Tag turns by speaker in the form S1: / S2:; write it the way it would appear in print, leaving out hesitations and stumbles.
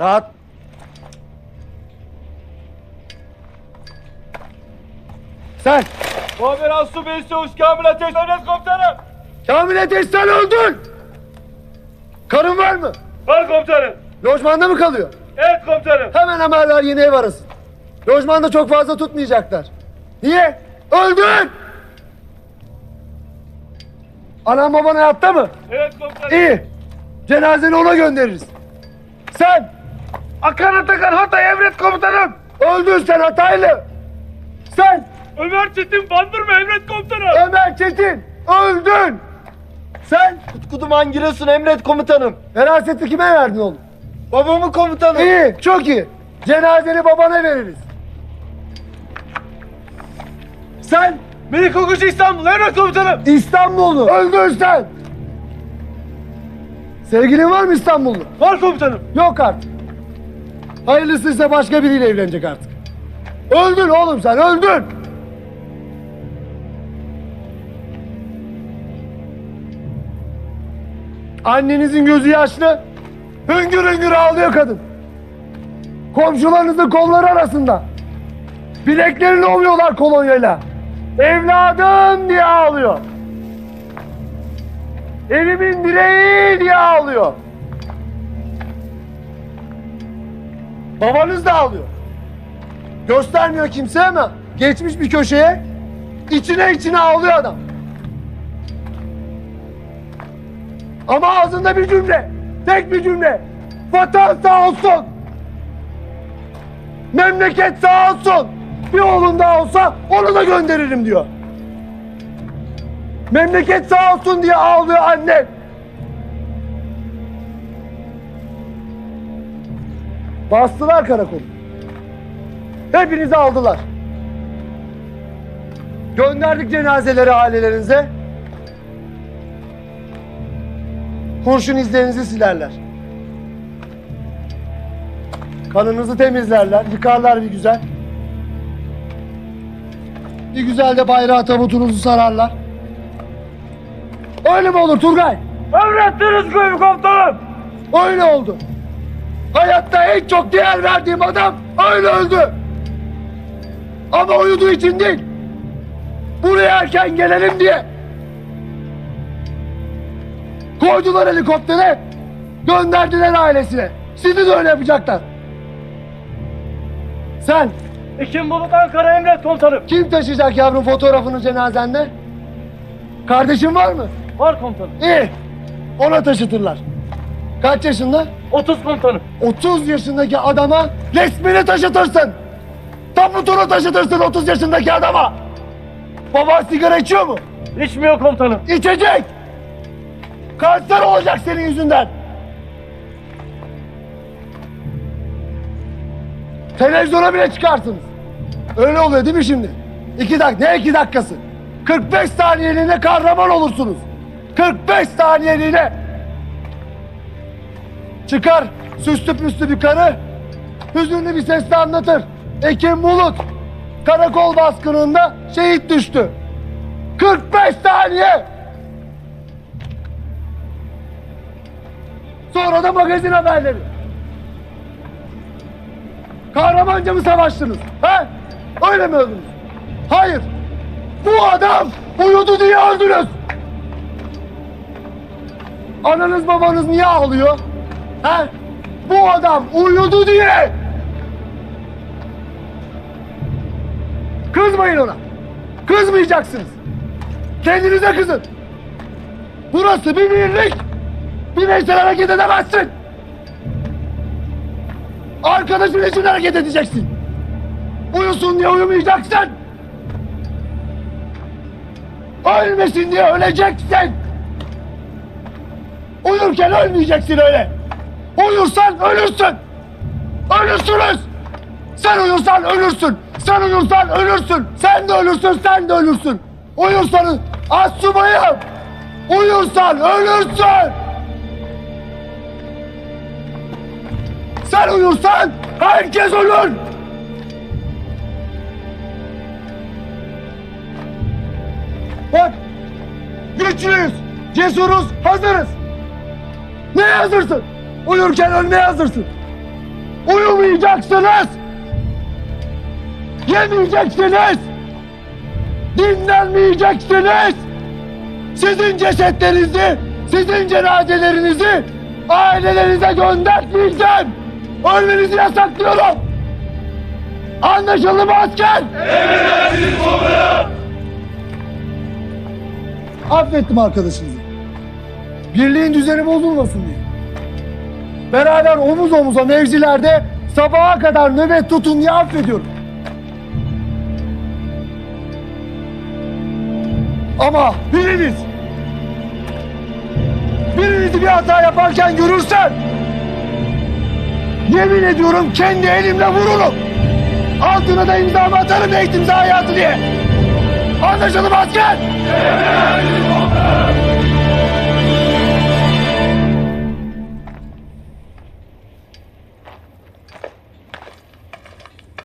S1: Rahat. Sen.
S2: Muhabir Asubey Çavuş Kamil Ateş Emret Komutanım.
S1: Kamil Ateş sen öldün. Karın var mı?
S2: Var komutanım.
S1: Lojmanda mı kalıyor?
S2: Evet komutanım.
S1: Hemen haberler yeni ev arasın. Lojmanda çok fazla tutmayacaklar. Niye? Öldün! Anan baban hayatta mı?
S2: Evet komutanım.
S1: İyi. Cenazeni ona göndeririz. Sen!
S2: Akan Atakan Hatay Emret Komutanım.
S1: Öldün sen Hataylı! Sen!
S2: Ömer Çetin Bandırma Emret Komutanım.
S1: Ömer Çetin! Öldün! Sen!
S3: Utku Duman Giresun Emret Komutanım.
S1: Veraseti kime verdin oğlum?
S3: Babamı komutanım.
S1: İyi, çok iyi. Cenazeni babana veririz. Sen!
S2: Melik Okuş İstanbul Emret Komutanım.
S1: İstanbullu! Öldün sen! Sevgilin var mı İstanbullu?
S2: Var komutanım.
S1: Yok artık. Hayırlısıysa başka biriyle evlenecek artık. Öldün oğlum sen, öldün! Annenizin gözü yaşlı, hüngür hüngür ağlıyor kadın. Komşularınızın kolları arasında. Bileklerini ovuyorlar kolonyayla. Evladım diye ağlıyor. Evimin direği diye ağlıyor. Babanız da ağlıyor. Göstermiyor kimse ama geçmiş bir köşeye içine içine ağlıyor adam. Ama ağzında bir cümle, tek bir cümle. Vatan sağ olsun. Memleket sağ olsun. Bir oğlun daha olsa onu da gönderirim diyor. Memleket sağ olsun diye ağlıyor anne. Bastılar karakolu. Hepinizi aldılar. Gönderdik cenazeleri ailelerinize. Kurşun izlerinizi silerler. Kanınızı temizlerler, yıkarlar bir güzel. Bir güzel de bayrağı tabutunuzu sararlar. Öyle mi olur Turgay?
S2: Emrettiniz komutanım.
S1: Öyle oldu. Hayatta en çok değer verdiğim adam öyle öldü. Ama uyuduğu için değil. Buraya erken gelelim diye. Koydular helikoptere, gönderdiler ailesine. Sizi de öyle yapacaklar. Sen,
S2: Ekim Bulut Ankara Emret Komutanım.
S1: kim taşıyacak yavrum fotoğrafını cenazende? Kardeşin var mı?
S2: Var komutanım.
S1: İyi, ona taşıtırlar. Kaç yaşında?
S2: 30 komutanım.
S1: 30 yaşındaki adama resmini taşıtırsın. Tabutunu taşıtırsın 30 yaşındaki adama. Baban sigara içiyor mu?
S2: İçmiyor komutanım.
S1: İçecek. Kanser olacak senin yüzünden. Televizyona bile çıkarsınız. Öyle oluyor değil mi şimdi? 2 dakika, ne 2 dakikası? 45 saniyeliğine kahraman olursunuz. 45 saniyeliğine. Çıkar süslü püslü bir karı, hüzünlü bir sesle anlatır. Ekim Bulut karakol baskınında şehit düştü. 45 saniye. Sonra da magazin haberleri. Kahramanca mı savaştınız? He? Öyle mi öldünüz? Hayır. Bu adam uyudu diye öldünüz. Ananız babanız niye ağlıyor? He? Bu adam uyudu diye. Kızmayın ona. Kızmayacaksınız. Kendinize kızın. Burası bir birlik. Bireysel hareket edemezsin. Arkadaşın için hareket edeceksin. Uyusun diye uyumayacaksın. Ölmesin diye öleceksin. Uyurken ölmeyeceksin öyle. Uyursan ölürsün. Ölürsünüz. Sen uyursan ölürsün. Sen uyursan ölürsün. Sen de ölürsün, sen de ölürsün. Uyursanız astsubayım. Uyursan ölürsün. Sen uyursan herkes ölür. Bak, güçlüyüz, cesuruz, hazırız. Neye hazırsın? Uyurken ölmeye hazırsın. Uyumayacaksınız. Yemeyeceksiniz. Dinlenmeyeceksiniz. Sizin cesetlerinizi, sizin cenazelerinizi ailelerinize göndermeyeceğim. Ölmenizi yasaklıyorum. Anlaşıldı mı asker?
S2: Emredersiniz komutanım.
S1: Affettim arkadaşınızı. Birliğin düzeni bozulmasın diye. Beraber omuz omuza mevzilerde sabaha kadar nöbet tutun diye affediyorum. Ama birinizi bir hata yaparken görürsem yemin ediyorum kendi elimle vururum. Altına da imzamı atarım eğitim hayatı diye. Anlaşıldı mı asker?
S2: Emredersiniz komutanım.